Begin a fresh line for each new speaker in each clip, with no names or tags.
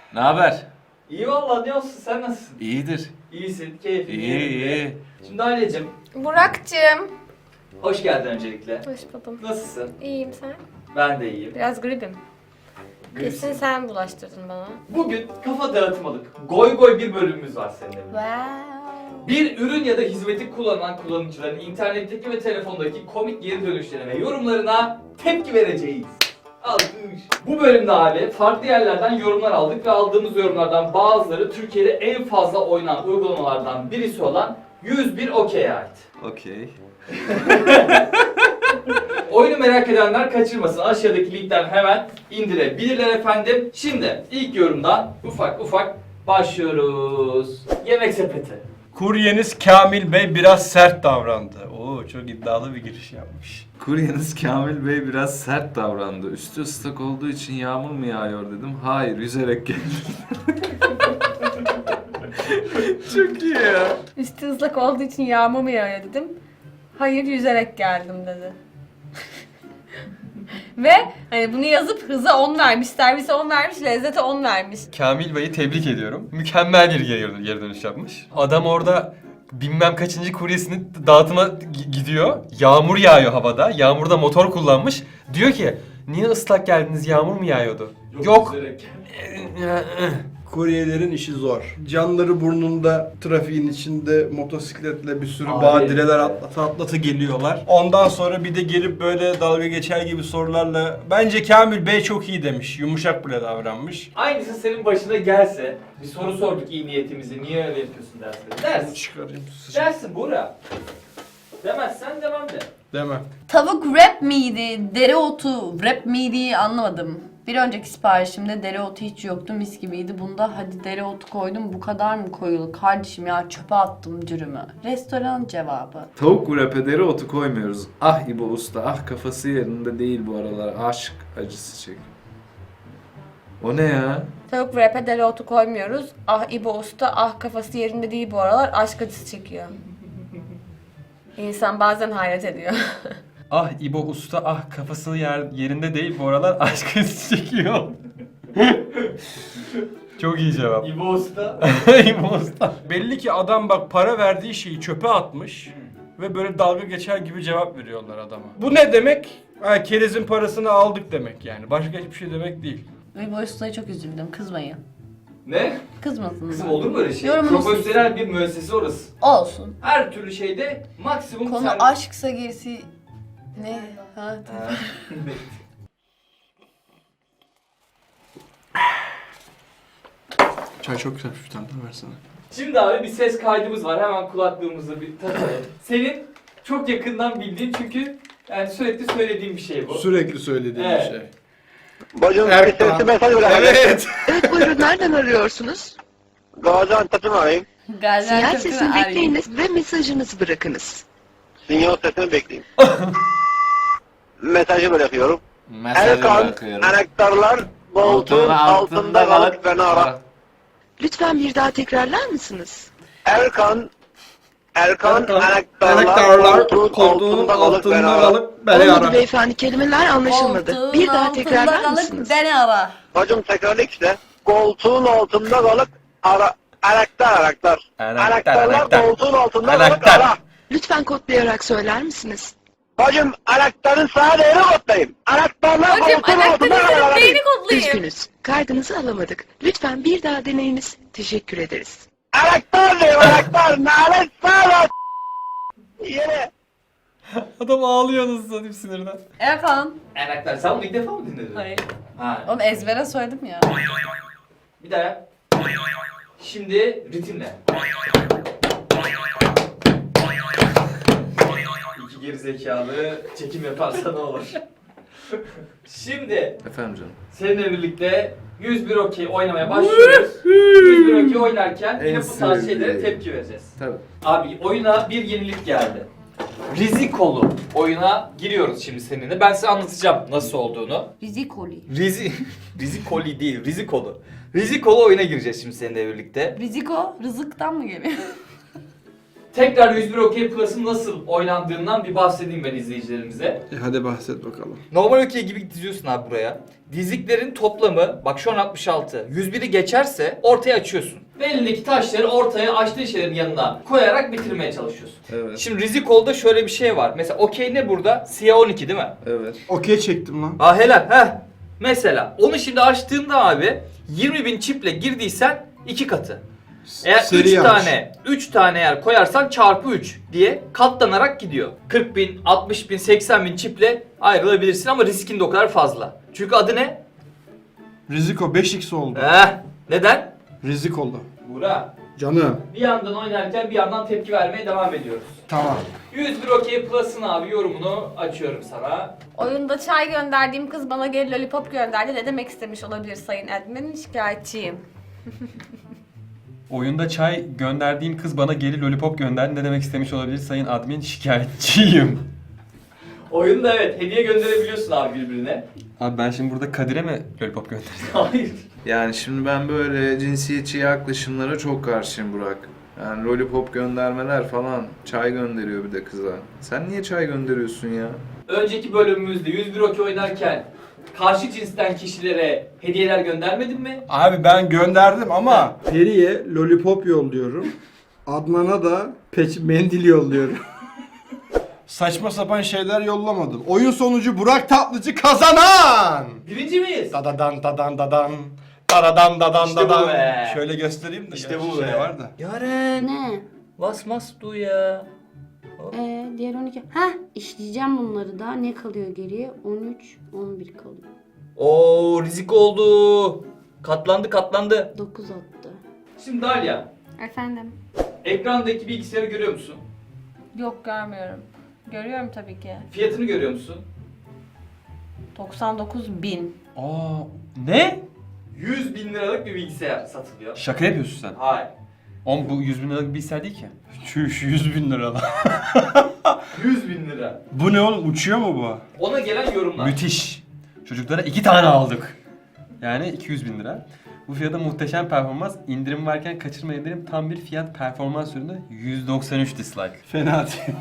Ne haber?
İyi valla, ne olsun, sen nasılsın?
İyidir.
İyisin, keyfin
İyi,
yerinde.
iyi.
Şimdi Ailecim,
Burak'cığım.
hoş geldin öncelikle.
Hoş buldum.
Nasılsın?
İyiyim sen?
Ben de iyiyim.
Biraz gribim. Kesin
Gülsün.
sen bulaştırdın bana.
Bugün kafa dağıtmalık, goy goy bir bölümümüz var seninle birlikte.
Wow.
Bir ürün ya da hizmeti kullanan kullanıcıların internetteki ve telefondaki komik geri dönüşlerine ve yorumlarına tepki vereceğiz. Alkış. Bu bölümde abi farklı yerlerden yorumlar aldık ve aldığımız yorumlardan bazıları Türkiye'de en fazla oynanan uygulamalardan birisi olan 101 Okey'e ait.
Okey.
Oyunu merak edenler kaçırmasın. Aşağıdaki linkten hemen indirebilirler efendim. Şimdi ilk yorumdan ufak ufak başlıyoruz. Yemek sepeti.
Kuryeniz Kamil Bey biraz sert davrandı. Oo, çok iddialı bir giriş yapmış.
Kuryeniz Kamil Bey biraz sert davrandı. Üstü ıslak olduğu için yağmur mu yağıyor dedim. Hayır, yüzerek geldim. Çok iyi ya.
Üstü ıslak olduğu için yağmur mu yağıyor dedim. Hayır, yüzerek geldim dedi. Ve hani bunu yazıp hıza 10 vermiş, servise 10 vermiş, lezzete 10 vermiş.
Kamil Bey'i tebrik ediyorum. Mükemmel bir geri dönüş yapmış. Adam orada bilmem kaçıncı kuryesini dağıtıma gidiyor. Yağmur yağıyor havada. Yağmurda motor kullanmış. Diyor ki niye ıslak geldiniz, yağmur mu yağıyordu? Yok.
Yüzerek.
Kuryelerin işi zor. Canları burnunda, trafiğin içinde motosikletle bir sürü
Abi.
badireler atlata geliyorlar. Ondan sonra bir de gelip böyle dalga geçer gibi sorularla bence Kamil Bey çok iyi demiş. Yumuşak bile davranmış.
Aynısı senin başına gelse, bir soru sorduk iyi niyetimizi, niye öyle yapıyorsun dersin. Dersin.
Çıkarayım.
Dersin Buğra. Demezsen demem de.
Demem.
Tavuk wrap miydi, dereotu wrap miydi anlamadım. Bir önceki siparişimde dereotu hiç yoktu, mis gibiydi. Bunda hadi dereotu koydum, bu kadar mı koyulur? Kardeşim ya, çöpe attım dürümü. Restoran cevabı.
Tavuk wrap'e dereotu koymuyoruz. Ah İbo Usta, ah kafası yerinde değil bu aralar. Aşk acısı çek. O ne ya?
Tavuk wrap'e dereotu koymuyoruz. Ah İbo Usta, ah kafası yerinde değil bu aralar, aşk acısı çekiyor. İnsan bazen hayret ediyor.
Ah İbo Usta, ah kafası yerinde değil bu aralar, aşk acısı çekiyor. Çok iyi cevap.
İbo Usta.
İbo Usta.
Belli ki adam bak para verdiği şeyi çöpe atmış ve böyle dalga geçer gibi cevap veriyorlar adama. Bu ne demek? Ha, kerizin parasını aldık demek yani. Başka hiçbir şey demek değil.
Ve bu ustaya çok üzüldüm, kızmayın.
Ne?
Kızmasınlar.
Kızım olur mu öyle şey?
Yorumunuz
Profesyonel bir müessese orası.
Olsun.
Her türlü şeyde maksimum
Konu
servis.
aşksa gerisi... Ne? Ha,
Ha.
Çay çok güzel, bir tane daha versene.
Şimdi abi bir ses kaydımız var. Hemen kulaklığımızı bir takalım. Senin çok yakından bildiğin, çünkü yani sürekli söylediğin bir şey bu.
Sürekli söylediğim
Evet.
bir şey.
Bacım
Evet,
sesli mesaj bırak.
Evet.
Evet buyurun nereden arıyorsunuz? Gaziantep'ten arayayım. Sinyal
Gaziantep'ten
sesini
arayayım.
bekleyiniz ve mesajınızı bırakınız. Sinyal sesini bekleyin. Mesajı bırakıyorum.
Mesajı
Erkan,
bırakıyorum.
anahtarlar koltuğun altında kalıp beni ara. Lütfen bir daha tekrarlar mısınız? Erkan, anahtarlar koltuğun altında kalıp beni ara. Olmadı beyefendi, kelimeler anlaşılmadı.
Koltuğun
Bir daha
altında
tekrarlar
kalıp
mısınız?
Beni ara.
Bacım tekrarla işte. Koltuğun altında kalıp ara. Anahtarlar
Anahtar.
koltuğun altında kalıp
Anahtar.
ara. Lütfen kodlayarak söyler misiniz? Bacım anahtarın sağ değeri kodlayayım. Anahtarlar
Hocam
koltuğun altında
anahtarınızın
kalıp
neyini kodlayayım?
Üzgünüz. Kaydınızı alamadık. Lütfen bir daha deneyiniz. Teşekkür ederiz. Anahtar diyor anahtar. Nalet sağ Yere.
Adam ağlıyor nasıl satayım sinirden.
Erkan.
Enaktar, sen bunu ilk defa mı dinledin?
Hayır.
Ha.
Oğlum ezbere söyledim ya.
Bir daha yap. Şimdi ritimle. İki gerizekalı çekim yaparsa ne olur? Şimdi
Efendim canım.
seninle birlikte 101 okey oynamaya başlıyoruz. 101 okey oynarken yine
En
bu tarz şeylere
sevdiğim.
tepki vereceğiz.
Tabii.
Abi oyuna bir yenilik geldi. Rizikolu oyuna giriyoruz şimdi seninle. Ben size anlatacağım nasıl olduğunu.
Rizikoli.
Rizikoli değil, Rizikolu oyuna gireceğiz şimdi seninle birlikte.
Riziko rızıktan mı geliyor?
tekrar 101 OK Plus'ın nasıl oynandığından bir bahsedeyim ben izleyicilerimize.
Hadi bahset bakalım.
Normal OK gibi diziyorsun abi buraya. Diziklerin toplamı, bak şu an 66. 101'i geçerse ortaya açıyorsun. Ve elindeki taşları ortaya açtığı şeylerin yanına koyarak bitirmeye çalışıyorsun.
Evet.
Şimdi Riziko'da şöyle bir şey var. Mesela OK ne burada? Siyah 12 değil mi?
Evet.
Okey çektim lan.
Ha helal. Heh. Mesela onu şimdi açtığında abi 20.000 çiple girdiysen 2 katı. Eğer
Seri
3
yanlış.
tane 3 tane eğer koyarsan çarpı 3 diye katlanarak gidiyor. 40.000, 60.000, 80.000 çiple ayrılabilirsin ama riskin de o kadar fazla. Çünkü adı ne?
Riziko 5x oldu.
Neden?
Rizik oldu.
Buğra.
Canım.
Bir yandan oynarken bir yandan tepki vermeye devam ediyoruz.
Tamam.
101 OK Plus'ın abi yorumunu açıyorum sana.
Oyunda çay gönderdiğim kız bana geri lollipop gönderdi. Ne demek istemiş olabilir sayın admin? Şikayetçiyim.
Oyunda çay gönderdiğim kız bana geri lollipop gönderdi. Ne demek istemiş olabilir sayın admin? Şikayetçiyim.
Oyunda evet hediye gönderebiliyorsun abi birbirine.
Abi ben şimdi burada Kadir'e mi lollipop gönderdim?
Hayır.
Yani şimdi ben böyle cinsiyetçi yaklaşımlara çok karşıyım Burak. Yani lollipop göndermeler falan, çay gönderiyor bir de kıza. Sen niye çay gönderiyorsun ya?
Önceki bölümümüzde 101 OK oynarken karşı cinsten kişilere hediyeler göndermedin mi?
Abi ben gönderdim ama Peri'ye lollipop yolluyorum. Adnan'a da mendil yolluyorum. Saçma sapan şeyler yollamadım. Oyun sonucu Burak Tatlıcı kazanan.
Birinci miyiz?
Dadadan dadan dadan. Dadadan dadan
İşte bu
dadan.
be.
Şöyle göstereyim de.
İşte
gerçi
bu
şey
be.
var da.
Yaren.
Ne?
Was must do ya?
Diğer 12. Heh, işleyeceğim bunları da. Ne kalıyor geriye? 13, 11 kalıyor.
Oo rizik oldu. Katlandı.
9 attı.
Şimdi Dalia,
Efendim?
ekrandaki bilgisayarı görüyor musun?
Yok görmüyorum. Görüyorum tabii ki.
Fiyatını görüyor musun?
99.000.
Aa, ne?
100 bin liralık bir bilgisayar satılıyor.
Şaka yapıyorsun sen.
Hayır.
Oğlum bu 100 bin liralık bir bilgisayar değil ki.
Çüş 100.000 lira lan.
100 bin lira.
Bu ne oğlum, uçuyor mu bu?
Ona gelen yorumlar.
Müthiş. Çocuklara 2 tane aldık. Yani 200 bin lira. Bu fiyata muhteşem performans. İndirim varken kaçırmayın derim. Tam bir fiyat performans ürünü. 193 dislike.
Fena değil.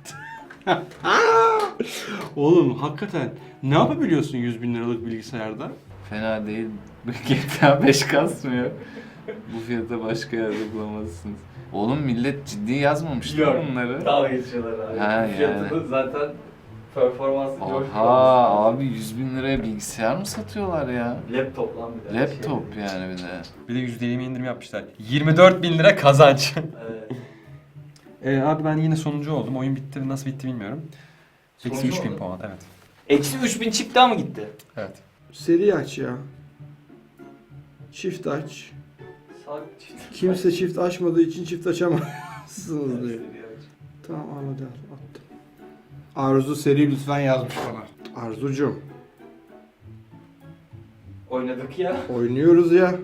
Oğlum hakikaten ne yapabiliyorsun 100.000 liralık bilgisayarda?
Fena değil. GTA 5 kasmıyor. Bu fiyata başka yerde bulamazsınız. Oğlum millet ciddi yazmamıştı
Yok.
bunları.
Dalga geçiyorlar abi.
Ha,
Fiyatını
yani.
zaten performanslı
Oha abi 100 bin liraya bilgisayar mı satıyorlar ya?
Laptop lan bir de.
Laptop yani bir de.
Bir de %20 indirim yapmışlar. 24 bin lira kazanç.
Evet.
Abi ben yine sonuncu oldum. Oyun bitti. Nasıl bitti bilmiyorum. Eksi
Sonuncu
3000
oldun.
puan. Evet.
Eksi 3000 çip daha mı gitti?
Evet.
Seri aç ya. Çift aç. Kimse çift açmadığı için çift açamazsınız diyor. Tamam al hadi al, attım. Arzu seri lütfen yazmış bana. Arzucum
Oynadık ya.
oynuyoruz ya.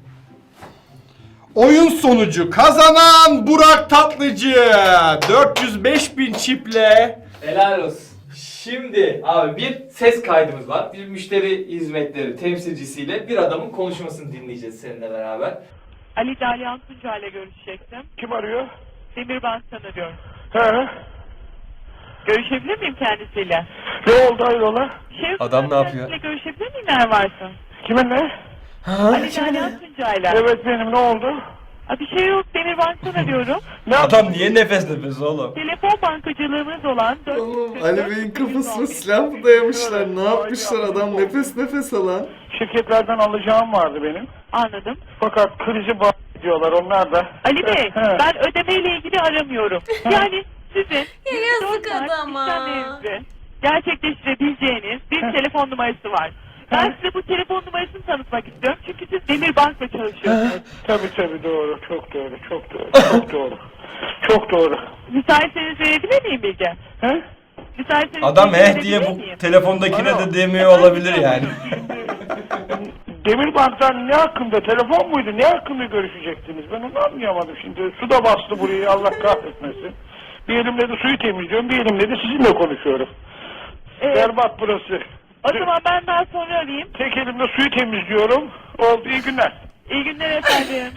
Oyun sonucu kazanan Burak Tatlıcı 405.000 çiple.
Helal olsun. Şimdi abi bir ses kaydımız var. Bir müşteri hizmetleri temsilcisiyle bir adamın konuşmasını dinleyeceğiz seninle beraber.
Ali Dalyan Tunca ile görüşecektim.
Kim arıyor?
Demirbank tanıyorum.
He.
Görüşebilir miyim kendisiyle?
Ne oldu hayrola?
Adam ne yapıyor?
Kendisiyle görüşebilir miyim eğer varsa?
Kiminle?
Ali Dalyan Tunca ile.
Evet benim, ne oldu?
Bir şey yok, Demirbank'tan arıyorum.
Ne adam niye nefes nefes oğlum?
Telefon bankacılığımız olan 444
Oğlum Ali Bey'in kafasına silah mı dayamışlar? Ne yapmışlar adam nefes nefes alan?
Şirketlerden alacağım vardı benim.
Anladım.
Fakat krizi diyorlar onlar da.
Ali Bey,
He.
ben ödemeyle ilgili aramıyorum. Yani sizin
Ya yazık
24 saat
adama.
işlemlerinizi gerçekleştirebileceğiniz bir telefon numarası var. Ben size bu telefon numarasını tanıtmak istiyorum çünkü siz Demirbank'la çalışıyorsunuz.
Tabii doğru, çok doğru, çok doğru, çok doğru. Çok doğru.
Müsaitseniz verebilir miyim bilgi?
He?
Müsaitseniz
Adam
bilgi
eh diye
verebilir
bu
miyim?
telefondakine de demiyor olabilir yani.
Demirbank'tan ne hakkında, telefon muydu, ne hakkında görüşecektiniz? Ben onu anlayamadım şimdi. Su da bastı burayı, Allah kahretmesin. Bir elimle de suyu temizliyorum, bir elimle de sizinle konuşuyorum. Berbat burası.
O zaman ben daha sonra arayayım.
Tek elimle suyu temizliyorum. Oldu, iyi günler.
İyi günler efendim.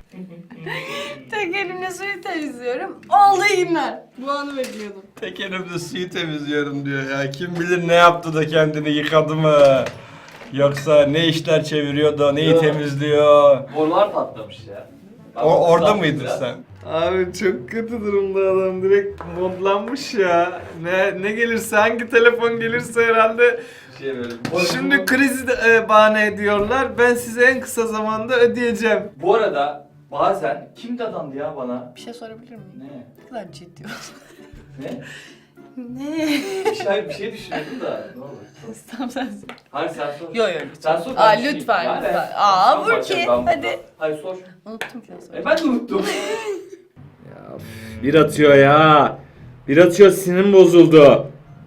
Tek elimle suyu temizliyorum. Oldu yine. Bu anı bekliyordum.
Tek elimle suyu temizliyorum diyor ya. Kim bilir ne yaptı da kendini yıkadı mı? Yoksa ne işler çeviriyor da neyi
Yok.
temizliyor?
Borular patlamış ya.
Orada
Islanmış
mıydın
biraz.
sen?
Abi çok kötü durumda adam, direkt modlanmış ya. Ne gelirse, hangi telefon gelirse herhalde
Şey böyle.
şimdi krizi de bahane ediyorlar. Ben size en kısa zamanda ödeyeceğim.
Bu arada bazen kim dadandı ya bana?
Bir şey sorabilir miyim?
Ne?
Ne kadar ciddi olsun.
Ne?
Ne?
Bir şey düşünüyordum da. Ne olur.
Tamam sen sor.
Hayır sen sor.
Yo yo
Sen sor.
Aa
ben düşüneyim.
lütfen
Yani
lütfen.
ben
Aa
son
Burki
bakacağım ben buna.
hadi.
Hayır sor.
Unuttum ki nasıl.
Ben de unuttum.
Ya bir atıyor ya. Bir atıyor, sinirim bozuldu.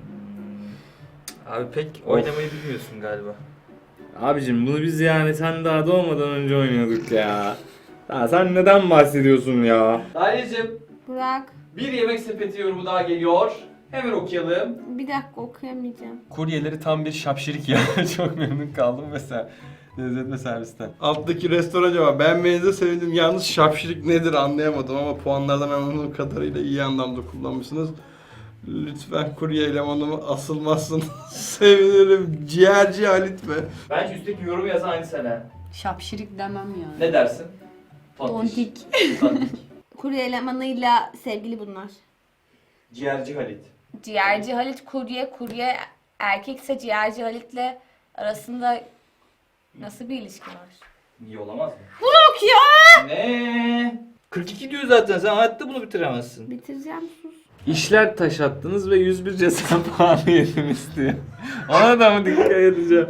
Abi pek oynamayı bilmiyorsun galiba.
Abicim bunu biz yani sen daha doğmadan önce oynuyorduk ya. Ya sen neden bahsediyorsun ya?
Dalya'cığım
Burak,
bir yemek sepeti yorumu daha geliyor. Hemen okuyalım.
bir dakika okuyamayacağım.
Kuryeleri tam bir şapşirik ya. Çok memnun kaldım mesela. Lezzetli servisten.
Alttaki restoran cevap. Beğenmenize sevindim. Yalnız şapşirik nedir anlayamadım ama puanlardan anladığım kadarıyla iyi anlamda kullanmışsınız. Lütfen kurye elemanımı asılmazsın. Sevinirim. Ciğerci Halit be.
Bence üstteki yorumu yazan aynı sene.
Şapşirik demem ya.
Ne dersin?
Tontik.
Tontik.
Kurye elemanıyla sevgili bunlar.
Ciğerci Halit.
Ciğerci Halit kurye erkekse ciğerci Halit'le arasında nasıl bir ilişki var?
Niye olamaz mı?
Burak ya!
Ne? 42 diyor zaten, sen hayatta bunu bitiremezsin.
Bitireceğim, sus.
İşler taş attınız ve 101 ceza puanı yediniz diyor. Ona da mı dikkat edeceğim?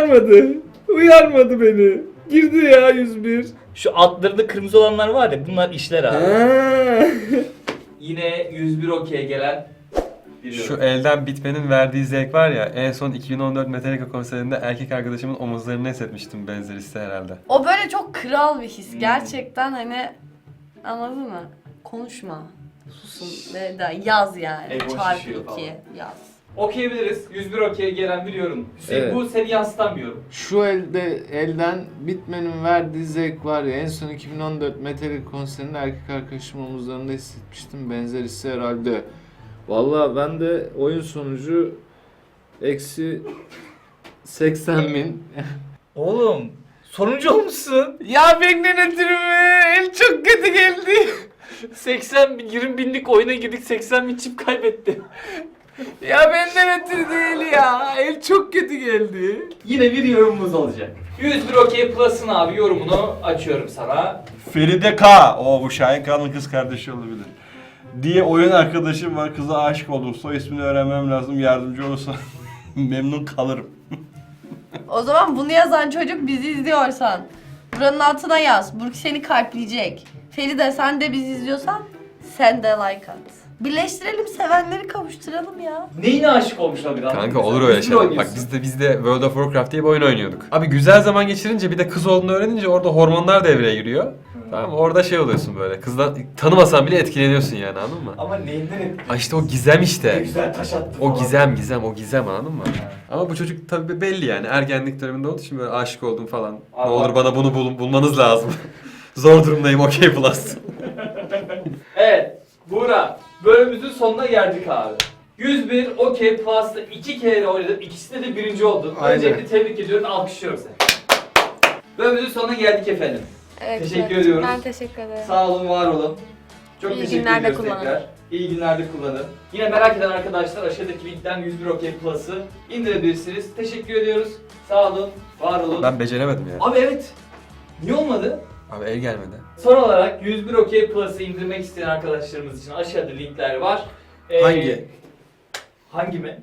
Uyarmadı beni. Girdi ya 101.
Şu altlarında kırmızı olanlar var ya, bunlar işler abi.
Ha.
Yine 101 okey gelen bir
Şu
yorum.
elden bitmenin verdiği zevk var ya, en son 2014 Metallica konserinde erkek arkadaşımın omuzlarını hissetmiştim, benzer hissi herhalde.
O böyle çok kral bir his. Gerçekten hani anladın mı? Konuşma. Susun ve da yaz yani.
Ego
Çarpı
şişiyor
2
falan.
yaz.
Okuyabiliriz. 101 okey gelen bir yorum. Hüseyin
Evet.
bu seni yansıtan bir yorum.
Şu elden bitmenin verdiği zevk var ya, en son 2014 Metallica konserinde erkek arkadaşım omuzlarında hissetmiştim, benzer hissi herhalde. Vallahi ben de oyun sonucu eksi 80.000.
Oğlum sonuncu olmuşsun.
Ya benden ötürü mü? El çok kötü geldi.
20 binlik oyuna girdik, 80 bin çip kaybetti.
Ya benden ötürü değil ya. El çok kötü geldi.
Yine bir yorumumuz olacak. 101 okey plus'ın abi yorumunu açıyorum sana.
Feride K. O bu Şahin K'nın kız kardeşi olabilir. Diye oyun arkadaşım var, kıza aşık oldum. Soy ismini öğrenmem lazım, yardımcı olursa memnun kalırım.
O zaman bunu yazan çocuk bizi izliyorsan buranın altına yaz. Burki seni kalpleyecek. Feride sen de bizi izliyorsan sen de like at. Birleştirelim, sevenleri kavuşturalım ya.
Neyine aşık olmuş olabilir?
Kanka olur öyle şeyler. Bak biz de World of Warcraft diye bir oyun oynuyorduk. Abi güzel zaman geçirince, bir de kız olduğunu öğrenince orada hormonlar devreye giriyor. Tamam mı? Orada şey oluyorsun böyle. Kızdan tanımasan bile etkileniyorsun yani, anladın mı?
Ama neyinden etkili?
Ay işte o gizem
Ne
işte.
güzel taş attı
O
falan.
gizem anladın mı? Ama bu çocuk tabii belli yani, ergenlik döneminde olduğu için böyle aşık oldum falan. Ne
Allah.
olur bana bunu bulmanız lazım. Zor durumdayım, okey plus.
Evet, Buğra, bölümümüzün sonuna geldik abi. 101 okey plus'ta 2 kere oynadım, ikisinde de birinci oldun.
Aynen.
Öncelikle tebrik ediyorum, alkışlıyorum seni. Bölümümüzün sonuna geldik efendim.
Evet,
Teşekkür ediyoruz.
Ben teşekkür ederim.
Sağ olun, var olun. Çok
İyi
teşekkür
günlerde
ediyoruz
kullanın.
tekrar. İyi günlerde kullanın. Yine merak eden arkadaşlar aşağıdaki linkten 101 okey plus'ı indirebilirsiniz. Teşekkür ediyoruz. Sağ olun, var olun.
Ben beceremedim ya.
Abi evet, niye olmadı?
Abi el gelmedi.
Son olarak 101 okey plus'ı indirmek isteyen arkadaşlarımız için aşağıda linkler var.
Hangi?
Hangi mi?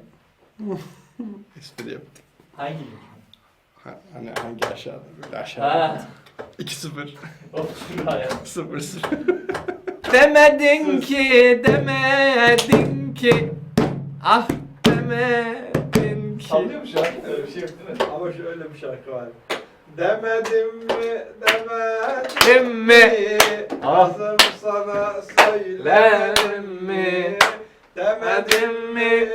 Espri yaptım.
Hangi link?
Hani hangi aşağıda? Böyle aşağıda.
Ha.
2-0.
Of şuraya.
0-0.
Demedin ki, demedin ki. Ah demedin ki.
Sallıyor mu şu an? Öyle bir şey yok değil mi?
Ama şöyle bir şarkı var. Demedim mi,
Demedim mi?
Ağzım sana söylerim mi? Demedim mi,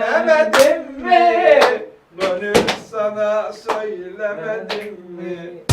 demedim mi? Gönül sana söylemedim mi?